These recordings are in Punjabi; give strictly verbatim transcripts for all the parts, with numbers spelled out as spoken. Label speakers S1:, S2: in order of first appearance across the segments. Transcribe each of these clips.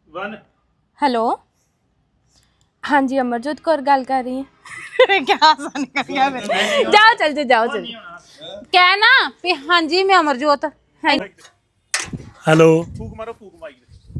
S1: वन
S2: हेलो हाँ जी अमरजोत कौर गल कर रही हैं
S3: क्या आसान कर गया फिर
S2: जाओ चल जा जाओ चल क्या ना भी हाँ जी मैं अमरजोत हाँ
S4: ਹੈਲੋ
S1: फूक मारो फूक माई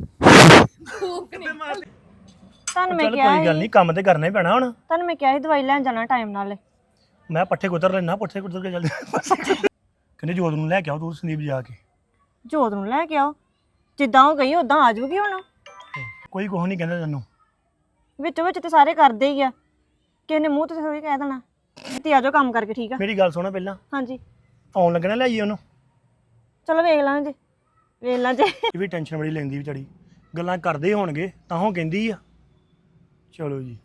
S3: ਤੁਹਾਨੂੰ ਮੈਂ
S4: ਚੱਲ
S3: ਕਿਹਾ
S4: ਕੋਈ ਗੱਲ ਨਹੀਂ ਕੰਮ ਤੇ ਕਰਨਾ ਹੀ ਪੈਣਾ ਹੁਣ
S3: ਤੁਹਾਨੂੰ ਮੈਂ ਕਿਹਾ ਸੀ ਦਵਾਈ ਲੈਣ ਜਾਣਾ ਟਾਈਮ ਨਾਲ
S4: ਮੈਂ ਪੱਠੇ ਕੁਤਰ ਲੈਣਾ ਪੱਠੇ ਕੁਤਰ ਕੇ ਚੱਲ ਕਹਿੰਦੇ ਜੋਤ ਨੂੰ ਲੈ ਕੇ ਆਓ ਤੂੰ ਸੰਦੀਪ ਜਾ ਕੇ
S3: ਜੋਤ ਨੂੰ ਲੈ ਕੇ ਆਓ ਜਿੱਦਾਂ ਉਹ ਗਈ ਉਦਾਂ ਆ ਜਾਊਗੀ ਹੁਣ
S4: ਕੋਈ ਕੁਛ ਨਹੀਂ ਕਹਿੰਦਾ ਤੈਨੂੰ
S3: ਵਿੱਚੋਂ ਵਿੱਚ ਤੇ ਸਾਰੇ ਕਰਦੇ ਹੀ ਆ ਕਿਸੇ ਨੇ ਮੂੰਹ ਤੇ ਥੋੜੀ ਕਹਿ ਦੇਣਾ ਤੇ ਆ ਜਾਓ ਕੰਮ ਕਰਕੇ ਠੀਕ ਆ
S4: ਮੇਰੀ ਗੱਲ ਸੁਣੋ ਪਹਿਲਾਂ
S3: ਹਾਂਜੀ
S4: ਆਉਣ ਲੱਗਣਾ ਲੈ ਆਈਏ ਉਹਨੂੰ
S3: ਚਲੋ ਵੇਖ ਲਾਂਗੇ ਜੀ ਵੇਖ ਲਾਂ ਜੇ
S4: ਇਹ ਵੀ ਟੈਨਸ਼ਨ ਬੜੀ ਲੈਂਦੀ ਵਿਚਾਰੀ ਗੱਲਾਂ ਕਰਦੇ ਹੀ ਹੋਣਗੇ ਤਾਂ ਉਹ ਕਹਿੰਦੀ ਆ ਚਲੋ ਜੀ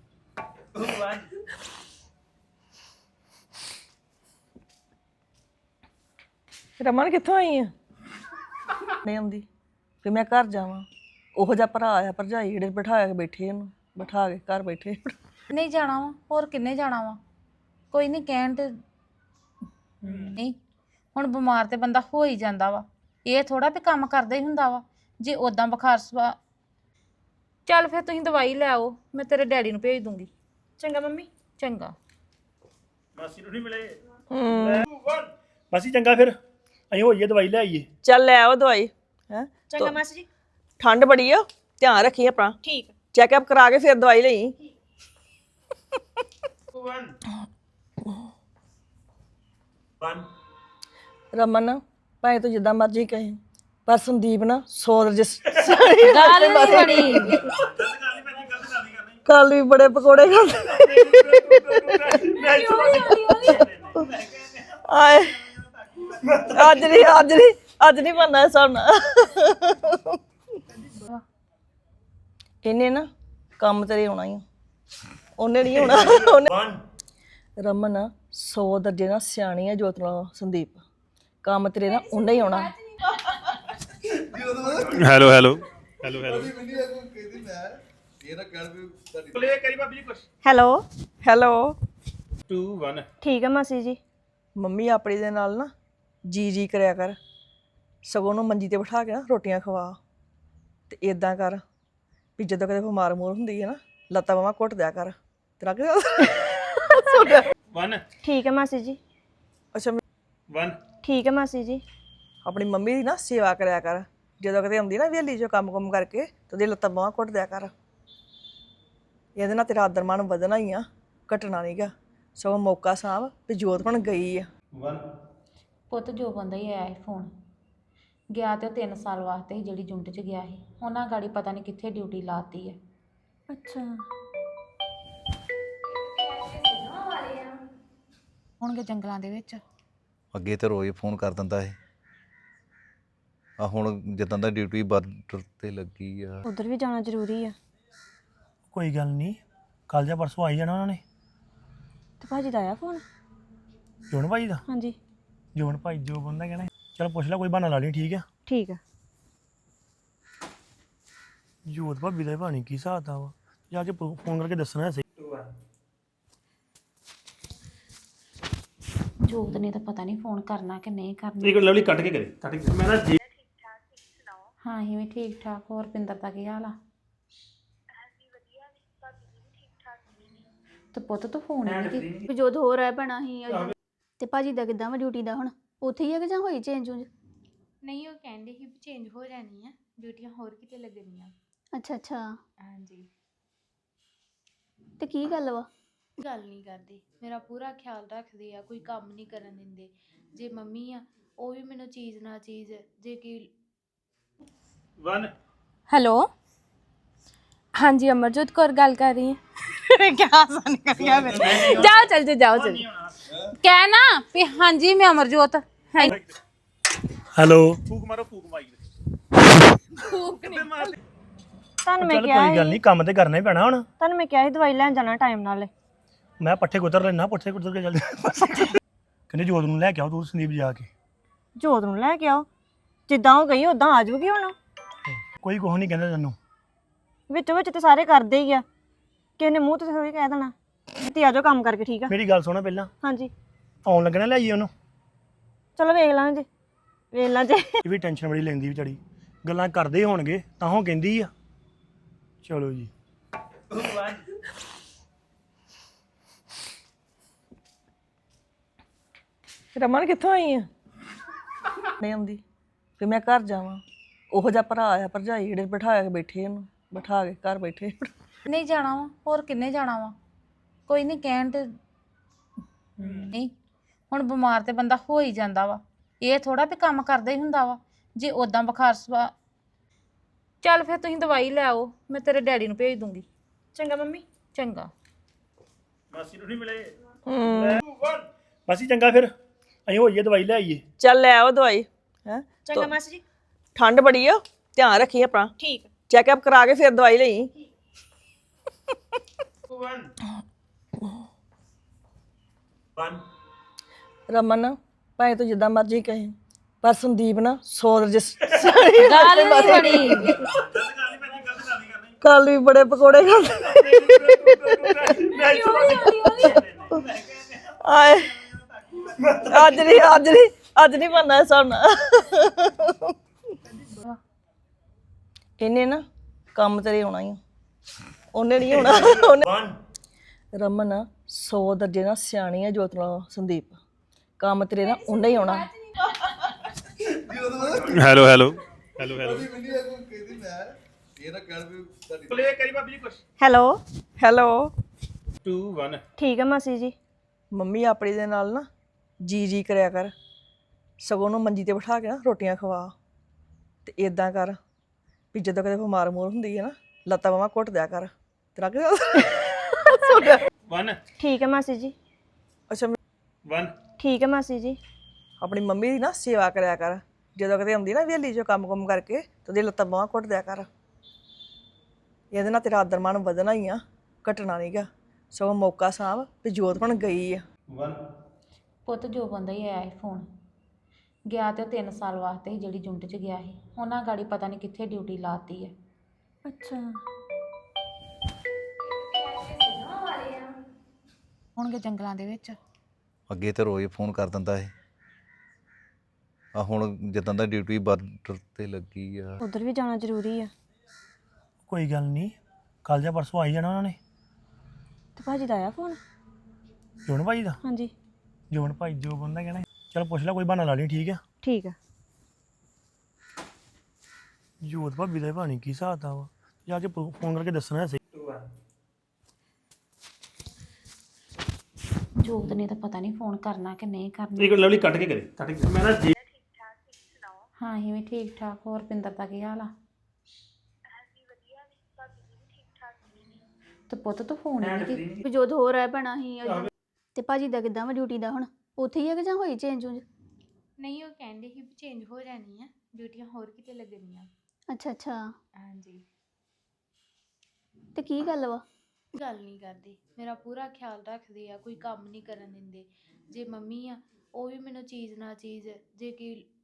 S5: ਰਮਨ ਕਿੱਥੋਂ ਆਈ ਆ ਨਹੀਂ ਆਉਂਦੀ ਫਿਰ ਮੈਂ ਘਰ ਜਾਵਾਂ ਉਹੋ ਜਿਹਾ ਭਰਾ ਆ ਭਰਜਾਈ ਜਿਹੜੇ ਬਿਠਾ ਕੇ ਬੈਠੇ ਇਹਨੂੰ ਬਿਠਾ ਕੇ ਘਰ ਬੈਠੇ
S2: ਨਹੀਂ ਜਾਣਾ ਵਾ ਹੋਰ ਕਿੰਨੇ ਜਾਣਾ ਵਾ ਕੋਈ ਨਹੀਂ ਕਹਿਣ ਤੇ ਨਹੀਂ ਹੁਣ ਬਿਮਾਰ ਤੇ ਬੰਦਾ ਹੋ ਹੀ ਜਾਂਦਾ ਵਾ ਇਹ ਥੋੜਾ ਵੀ ਕੰਮ ਕਰਦਾ ਹੀ ਹੁੰਦਾ ਵਾ ਜੇ ਉਦਾਂ ਬੁਖਾਰ ਸਵਾ ਚੱਲ ਫਿਰ ਤੁਸੀਂ ਦਵਾਈ ਲੈ ਆਓ ਮੈਂ ਤੇਰੇ ਡੈਡੀ ਨੂੰ ਭੇਜ ਦੂੰਗੀ
S3: ਚੰਗਾ ਮੰਮੀ
S2: ਚੰਗਾ
S1: मासी नहीं मिले
S4: ਮਾਸੀ ਚੰਗਾ ਫਿਰ ਅਸੀਂ ਹੋਈਏ ਦਵਾਈ ਲੈ ਆਈਏ
S5: ਚੱਲ ਲੈ ਆਓ ਦਵਾਈ ਹੈ
S3: ਚੰਗਾ ਮਾਸੀ ਜੀ
S5: ਠੰਡ ਬੜੀ ਆ ਧਿਆਨ ਰੱਖੀ ਆਪਣਾ
S3: ਠੀਕ
S5: ਚੈੱਕਅਪ ਕਰਾ ਕੇ ਫਿਰ ਦਵਾਈ ਲਈ
S1: वन वन
S5: ਰਮਨ ਭਾਵੇਂ ਤੂੰ ਜਿੱਦਾਂ ਮਰਜ਼ੀ ਕਹੇ ਪਰ ਸੰਦੀਪ ਨਾ ਸੌ ਰਜਿਸ
S2: ਗੱਲ ਨਹੀਂ ਬੜੀ
S5: ਕੱਲ ਵੀ ਬੜੇ ਪਕੌੜੇ ਖਾਂਦੇ ਆਏ ਅੱਜ ਨਹੀਂ ਅੱਜ ਨਹੀਂ ਅੱਜ ਨਹੀਂ ਬਣਨਾ ਸਾਡਾ ਇਹਨੇ ਨਾ ਕੰਮ ਤੇਰੇ ਆਉਣਾ ਹੀ ਉਹਨੇ ਨਹੀਂ ਹੋਣਾ ਉਹਨੇ ਰਮਨ ਸੌ ਦਰਜੇ ਨਾਲ ਸਿਆਣੀ ਹੈ ਜੋਤ ਨਾਲ ਸੰਦੀਪ ਕੰਮ ਤੇਰੇ ਨਾਲ ਉਹਨੇ ਹੀ ਆਉਣਾ
S1: hello hello hello hello play करी भाभी जी कुछ
S3: ਹੈਲੋ
S5: ਹੈਲੋ
S1: टू वन
S3: ਠੀਕ ਆ ਮਾਸੀ ਜੀ
S5: ਮੰਮੀ ਆਪਣੀ ਦੇ ਨਾਲ ਨਾ ਜੀ ਜੀ ਕਰਿਆ ਕਰ ਸਗੋਂ ਨੂੰ ਮੰਜੀ ਤੇ ਬਿਠਾ ਕੇ ਨਾ ਰੋਟੀਆਂ ਖਵਾ ਤੇ ਇਦਾਂ ਕਰ ਵੀ ਜਦੋਂ ਕਦੇ ਬਿਮਾਰ ਮੋਰ ਹੁੰਦੀ ਹੈ ਨਾ ਲੱਤਾਂ ਬਾਹਾਂ ਘੁੱਟ ਦਿਆ ਕਰ ਤੇਰਾ ਕਿ
S1: वन
S3: ਠੀਕ ਆ ਮਾਸੀ ਜੀ
S5: ਅੱਛਾ
S1: वन
S3: ਠੀਕ ਆ ਮਾਸੀ ਜੀ
S5: ਆਪਣੀ ਮੰਮੀ ਦੀ ਨਾ ਸੇਵਾ ਕਰਿਆ ਕਰ ਜਦੋਂ ਕਦੇ ਆਉਂਦੀ ਨਾ ਵਿਹਲੀ ਚੋਂ ਕੰਮ ਕੁੰਮ ਕਰਕੇ ਤੇ ਉਹਦੀ ਲੱਤਾਂ ਬਾਹਾਂ ਘੁੱਟ ਦਿਆ ਕਰ ਇਹਦੇ ਨਾਲ ਤੇਰਾ ਆਦਰ ਮਾਣ ਵਧਣਾ ਹੀ ਆ ਘਟਣਾ ਨਹੀਂਗਾ ਸਗੋਂ ਮੌਕਾ ਸਾਂਭ ਵੀ ਜੋਤ ਬਣ ਗਈ ਆ
S1: वन
S2: ਪੁੱਤ ਜੋ ਬੰਦਾ ਹੀ ਆਇਆ ਸੀ ਫੋਨ ਗਿਆ ਤੇ ਉਹ ਤਿੰਨ ਸਾਲ ਵਾਸਤੇ ਸੀ ਜਿਹੜੀ ਜੁੰਟ 'ਚ ਗਿਆ ਸੀ ਉਹਨਾਂ ਗਾੜੀ ਪਤਾ ਨਹੀਂ ਕਿੱਥੇ ਡਿਊਟੀ ਲਾਤੀ ਹੈ
S3: ਅੱਛਾ
S2: ਹੋਣਗੇ ਜੰਗਲਾਂ ਦੇ ਵਿੱਚ
S6: ਅੱਗੇ ਤੇ ਰੋਜ਼ ਫੋਨ ਕਰ ਦਿੰਦਾ ਇਹ ਆ ਹੁਣ ਜਿੱਦਾਂ ਦਾ ਡਿਊਟੀ ਬਾਰਡਰ ਤੇ ਲੱਗੀ ਆ
S3: ਉਧਰ ਵੀ ਜਾਣਾ ਜ਼ਰੂਰੀ ਆ
S4: ਕੋਈ ਗੱਲ ਨਹੀਂ ਕੱਲ ਜਾਂ ਪਰਸੋਂ ਆਈ ਜਾਣਾ ਉਹਨਾਂ ਨੇ
S3: ਤੇ ਭਾਜੀ ਦਾ ਆਇਆ ਫੋਨ
S4: ਜੋਨ ਭਾਈ ਦਾ
S3: ਹਾਂਜੀ
S4: ਜੋਨ ਭਾਈ ਜੋ ਬੰਦਾ ਕਹਿਣਾ ਚਲ ਪੁੱਛ ਲੈ ਕੋਈ ਬਹਾਨਾ ਲਾ ਲਈ ਠੀਕ ਆ
S3: ਠੀਕ ਆ
S4: ਜੋਤ ਭਾਬੀ ਦਾ ਭਾਣੀ ਕੀ ਹਿਸਾਬ ਦਾ ਵਾ ਜਾ ਕੇ ਫੋਨ ਕਰਕੇ ਦੱਸਣਾ ਸਹੀ
S2: ਜੋਤ ਨੇ ਤਾਂ ਪਤਾ ਨਹੀਂ ਫੋਨ ਕਰਨਾ ਕਿ ਨਹੀਂ ਕਰਨਾ
S1: एक लवली कट के करे कट के मैं ना जी
S2: ਹਾਂ ਅਸੀਂ ਵੀ ਠੀਕ ਠਾਕ ਹੋਰ ਪਿੰਦਰ ਦਾ ਕੀ ਹਾਲ ਆ ਤੇ ਪੁੱਤ ਤੂੰ ਫੋਨ ਹੀ ਨਹੀਂ ਕੀਤਾ
S7: ਜੋਤ ਹੋ ਰਿਹਾ ਪੈਣਾ ਹੀ ਤੇ ਭਾਜੀ ਦਾ ਕਿਦਾਂ ਵਾ ਡਿਊਟੀ ਦਾ ਹੁਣ ਉੱਥੇ ਹੀ ਆ ਕਿ ਜਾਂ ਹੋਈ ਚੇਂਜ ਉਂਜ
S8: ਨਹੀਂ ਉਹ ਕਹਿੰਦੇ ਸੀ ਵੀ ਚੇਂਜ ਹੋ ਜਾਣੀ ਆ ਡਿਊਟੀਆਂ ਹੋਰ ਕਿਤੇ ਲੱਗਣੀਆਂ
S7: ਅੱਛਾ ਅੱਛਾ
S8: ਹਾਂਜੀ
S7: ਤੇ ਕੀ ਗੱਲ ਵਾ
S8: ਗੱਲ ਨਹੀਂ ਕਰਦੇ ਮੇਰਾ ਪੂਰਾ ਖਿਆਲ ਰੱਖਦੇ ਆ ਕੋਈ ਕੰਮ ਨਹੀਂ ਕਰਨ ਦਿੰਦੇ ਜੇ ਮੰਮੀ ਆ ਉਹ ਵੀ ਮੈਨੂੰ ਚੀਜ਼ ਨਾ ਚੀਜ਼ ਜੇ ਕਿ
S1: वन
S2: हेलो हाँ जी अमरजोत कौर गल कर रही हैं
S3: क्या आसान कर गया फिर
S2: जाओ चल जा जाओ चल क्या ना भी हाँ जी मैं अमरजोत हाँ
S4: ਹੈਲੋ
S1: फूक मारो फूक माई
S3: ਤੁਹਾਨੂੰ ਮੈਂ
S4: ਚੱਲ
S3: ਕਿਹਾ
S4: ਕੋਈ ਗੱਲ ਨਹੀਂ ਕੰਮ ਤੇ ਕਰਨਾ ਹੀ ਪੈਣਾ ਹੁਣ
S3: ਤੁਹਾਨੂੰ ਮੈਂ ਕਿਹਾ ਸੀ ਦਵਾਈ ਲੈਣ ਜਾਣਾ ਟਾਈਮ ਨਾਲ
S4: ਮੈਂ ਪੱਠੇ ਕੁਤਰ ਲੈਣਾ ਪੱਠੇ ਕੁਤਰ ਕੇ ਚੱਲ ਕਹਿੰਦੇ ਜੋਤ ਨੂੰ ਲੈ ਕੇ ਆਓ ਤੂੰ ਸੰਦੀਪ ਜਾ ਕੇ
S3: ਜੋਤ ਨੂੰ ਲੈ ਕੇ ਆਓ ਜਿੱਦਾਂ ਉਹ ਗਈ ਉਦਾਂ ਆ ਜਾਊਗੀ ਹੁਣ
S4: ਕੋਈ ਕੁਛ ਨਹੀਂ ਕਹਿੰਦਾ ਤੈਨੂੰ
S3: ਵਿੱਚੋਂ ਵਿੱਚ ਤੇ ਸਾਰੇ ਕਰਦੇ ਹੀ ਆ ਕਿਸੇ ਨੇ ਮੂੰਹ ਤੇ ਥੋੜੀ ਕਹਿ ਦੇਣਾ ਤੇ ਆ ਜਾਓ ਕੰਮ ਕਰਕੇ ਠੀਕ ਆ
S4: ਮੇਰੀ ਗੱਲ ਸੁਣੋ ਪਹਿਲਾਂ
S3: ਹਾਂਜੀ
S4: ਆਉਣ ਲੱਗਣਾ ਲੈ ਆਈਏ ਉਹਨੂੰ
S3: ਚਲੋ ਵੇਖ ਲਾਂਗੇ ਜੀ ਵੇਖ ਲਾਂ ਜੇ
S4: ਇਹ ਵੀ ਟੈਨਸ਼ਨ ਬੜੀ ਲੈਂਦੀ ਵਿਚਾਰੀ ਗੱਲਾਂ ਕਰਦੇ ਹੀ ਹੋਣਗੇ ਤਾਂ ਉਹ ਕਹਿੰਦੀ ਆ ਚਲੋ ਜੀ
S1: ਵਨ
S5: ਰਮਨ ਕਿੱਥੋਂ ਆਈ ਆ ਨਹੀਂ ਆਉਂਦੀ ਫਿਰ ਮੈਂ ਘਰ ਜਾਵਾਂ ਉਹੋ ਜਿਹਾ ਭਰਾ ਆ ਭਰਜਾਈ ਜਿਹੜੇ ਬਿਠਾ ਕੇ ਬੈਠੇ ਇਹਨੂੰ ਬਿਠਾ ਕੇ ਘਰ ਬੈਠੇ
S2: ਨਹੀਂ ਜਾਣਾ ਵਾ ਹੋਰ ਕਿੰਨੇ ਜਾਣਾ ਵਾ ਕੋਈ ਨਹੀਂ ਕਹਿਣ ਤੇ ਨਹੀਂ ਹੁਣ ਬਿਮਾਰ ਤੇ ਬੰਦਾ ਹੋ ਹੀ ਜਾਂਦਾ ਵਾ ਇਹ ਥੋੜਾ ਵੀ ਕੰਮ ਕਰਦਾ ਹੀ ਹੁੰਦਾ ਵਾ ਜੇ ਉਦਾਂ ਬੁਖਾਰ ਸਵਾ ਚੱਲ ਫਿਰ ਤੁਸੀਂ ਦਵਾਈ ਲੈ ਆਓ ਮੈਂ ਤੇਰੇ ਡੈਡੀ ਨੂੰ ਭੇਜ ਦੂੰਗੀ
S3: ਚੰਗਾ ਮੰਮੀ
S2: ਚੰਗਾ
S1: ਮਾਸੀ ਨੂੰ ਨਹੀਂ ਮਿਲੇ
S4: ਮਾਸੀ ਚੰਗਾ ਫਿਰ ਅਸੀਂ ਹੋਈਏ ਦਵਾਈ ਲੈ ਆਈਏ
S5: ਚੱਲ ਲੈ ਆਓ ਦਵਾਈ ਹੈ
S3: ਚੰਗਾ ਮਾਸੀ ਜੀ
S5: ਠੰਡ ਬੜੀ ਆ ਧਿਆਨ ਰੱਖੀ ਆਪਣਾ
S3: ਠੀਕ
S5: ਚੈੱਕਅਪ ਕਰਾ ਕੇ ਫਿਰ ਦਵਾਈ ਲਈ
S1: ਵਨ ਵਨ
S5: ਰਮਨ ਭਾਵੇਂ ਤੂੰ ਜਿੱਦਾਂ ਮਰਜ਼ੀ ਕਹੇ ਪਰ ਸੰਦੀਪ ਨਾ ਸੌ ਰਜਿਸ
S2: ਗੱਲ ਨਹੀਂ ਬਣੀ
S5: ਕੱਲ ਵੀ ਬੜੇ ਪਕੌੜੇ ਖਾਂਦੇ ਆਏ ਅੱਜ ਨਹੀਂ ਅੱਜ ਨਹੀਂ ਅੱਜ ਨਹੀਂ ਬਣਨਾ ਸਾਡਾ ਇਹਨੇ ਨਾ ਕੰਮ ਤੇਰੇ ਆਉਣਾ ਹੀ ਆ। ਉਹਨੇ ਨਹੀਂ ਆਉਣਾ ਉਹਨੇ
S1: ਵਨ
S5: ਰਮਨ ਸੌ ਦਰਜੇ ਨਾਲ ਸਿਆਣੀ ਆ ਜੋਤ ਨਾਲ ਸੰਦੀਪ ਕੰਮ ਤੇਰੇ ਨਾਲ ਉਹਨੇ ਹੀ ਆਉਣਾ
S1: hello hello hello hello play ਕਰੀ ਬਾਬੀ ਜੀ ਕੁਛ
S3: ਹੈਲੋ
S5: ਹੈਲੋ
S1: ਟੂ ਵਨ
S3: ਠੀਕ ਆ ਮਾਸੀ ਜੀ
S5: ਮੰਮੀ ਆਪਣੀ ਦੇ ਨਾਲ ਨਾ ਜੀ ਜੀ ਕਰਿਆ ਕਰ ਸਗੋਂ ਨੂੰ ਮੰਜੀ ਤੇ ਬਿਠਾ ਕੇ ਨਾ ਰੋਟੀਆਂ ਖਵਾ ਤੇ ਇਦਾਂ ਕਰ ਵੀ ਜਦੋਂ ਕਦੇ ਬਿਮਾਰ ਮੋਰ ਹੁੰਦੀ ਹੈ ਨਾ ਲੱਤਾਂ ਬਾਹਾਂ ਘੁੱਟ ਦਿਆ ਕਰ ਤੇਰਾ ਕਿ
S1: ਵਨ
S3: ਠੀਕ ਆ ਮਾਸੀ ਜੀ
S5: ਅੱਛਾ
S1: ਵਨ
S3: ਠੀਕ ਆ ਮਾਸੀ ਜੀ
S5: ਆਪਣੀ ਮੰਮੀ ਦੀ ਨਾ ਸੇਵਾ ਕਰਿਆ ਕਰ ਜਦੋਂ ਕਦੇ ਆਉਂਦੀ ਨਾ ਵਿਹਲੀ ਚੋਂ ਕੰਮ ਕੁਮ ਕਰਕੇ ਤੇ ਉਹਦੀ ਲੱਤਾਂ ਬਾਹਾਂ ਘੁੱਟ ਦਿਆ ਕਰ ਇਹਦੇ ਨਾਲ ਤੇਰਾ ਆਦਰ ਮਾਣ ਵਧਣਾ ਹੀ ਆ ਘਟਣਾ ਨਹੀਂਗਾ ਸਗੋਂ ਮੌਕਾ ਸਾਂਭ ਵੀ ਜੋਤ ਹੁਣ ਗਈ ਆ
S1: ਵਨ
S2: ਪੁੱਤ ਜੋ ਬੰਦਾ ਹੀ ਆਇਆ ਸੀ ਫੋਨ ਗਿਆ ਤੇ ਉਹ ਤਿੰਨ ਸਾਲ ਵਾਸਤੇ ਸੀ ਜਿਹੜੀ ਜੁੰਟ 'ਚ ਗਿਆ ਸੀ ਉਹਨਾਂ ਗਾੜੀ ਪਤਾ ਨਹੀਂ ਕਿੱਥੇ ਡਿਊਟੀ ਲਾਤੀ ਹੈ
S3: ਅੱਛਾ
S2: ਹੋਣਗੇ ਜੰਗਲਾਂ ਦੇ ਵਿੱਚ
S6: ਅੱਗੇ ਤੇ ਰੋਜ਼ ਫੋਨ ਕਰ ਦਿੰਦਾ ਇਹ ਆ ਹੁਣ ਜਿੱਦਾਂ ਦਾ ਡਿਊਟੀ ਬਾਰਡਰ ਤੇ ਲੱਗੀ ਆ
S3: ਉਧਰ ਵੀ ਜਾਣਾ ਜ਼ਰੂਰੀ ਆ
S4: ਕੋਈ ਗੱਲ ਨਹੀਂ ਕੱਲ ਜਾਂ ਪਰਸੋਂ ਆਈ ਜਾਣਾ ਉਹਨਾਂ ਨੇ
S3: ਤੇ ਭਾਜੀ ਦਾ ਆਇਆ ਫੋਨ
S4: ਜੋਨ ਭਾਈ ਦਾ
S3: ਹਾਂਜੀ
S4: ਜੋਨ ਭਾਈ ਜੋ ਬੰਦਾ ਕਹਿਣਾ ਚਲ ਪੁੱਛ ਲੈ ਕੋਈ ਬਹਾਨਾ ਲਾ ਲਈ ਠੀਕ ਆ
S3: ਠੀਕ ਆ
S4: ਜੋਤ ਭਾਬੀ ਦਾ ਭਾਣੀ ਕੀ ਹਿਸਾਬ ਦਾ ਵਾ ਜਾ ਕੇ ਫੋਨ ਕਰਕੇ ਦੱਸਣਾ ਸਹੀ
S1: ਟੂ ਵਨ
S2: ਜੋਤ ਨੇ ਤਾਂ ਪਤਾ ਨਹੀਂ ਫੋਨ ਕਰਨਾ ਕਿ ਨਹੀਂ ਕਰਨਾ
S1: ਇੱਕ ਲਵਲੀ ਕੱਟ ਕੇ ਕਰੇ ਕੱਟ ਕੇ ਮੈਂ ਨਾ ਜੀ
S2: ਹਾਂ ਹੀ ਵੀ ਠੀਕ ਠਾਕ ਹੋਰ ਪਿੰਦਰ ਦਾ ਕੀ ਹਾਲ ਆ ਤੇ ਪੁੱਤ ਤੂੰ ਫੋਨ ਹੀ ਨਹੀਂ ਕੀਤਾ
S7: ਵੀ ਜੋਤ ਹੋ ਰਿਹਾ ਪੈਣਾ ਹੀ ਤੇ ਭਾਜੀ ਦਾ ਕਿੱਦਾਂ ਵਾ ਡਿਊਟੀ ਦਾ ਹੁਣ ਉੱਥੇ ਹੀ ਹੈ ਕਿ ਜਾਂ ਹੋਈ ਚੇਂਜ ਉਂਜ
S8: ਨਹੀਂ ਉਹ ਕਹਿੰਦੇ ਸੀ ਵੀ ਚੇਂਜ ਹੋ ਜਾਣੀ ਆ ਡਿਊਟੀਆਂ ਹੋਰ ਕਿਤੇ ਲੱਗਣੀਆਂ
S7: ਅੱਛਾ ਅੱਛਾ
S8: ਹਾਂਜੀ
S7: ਤੇ ਕੀ ਗੱਲ ਵਾ
S8: ਗੱਲ ਨਹੀਂ ਕਰਦੇ ਮੇਰਾ ਪੂਰਾ ਖਿਆਲ ਰੱਖਦੇ ਆ ਕੋਈ ਕੰਮ ਨਹੀਂ ਕਰਨ ਦਿੰਦੇ ਜੇ ਮੰਮੀ ਆ ਉਹ ਵੀ ਮੈਨੂੰ ਚੀਜ਼ ਨਾ ਚੀਜ਼ ਜੇ ਕਿ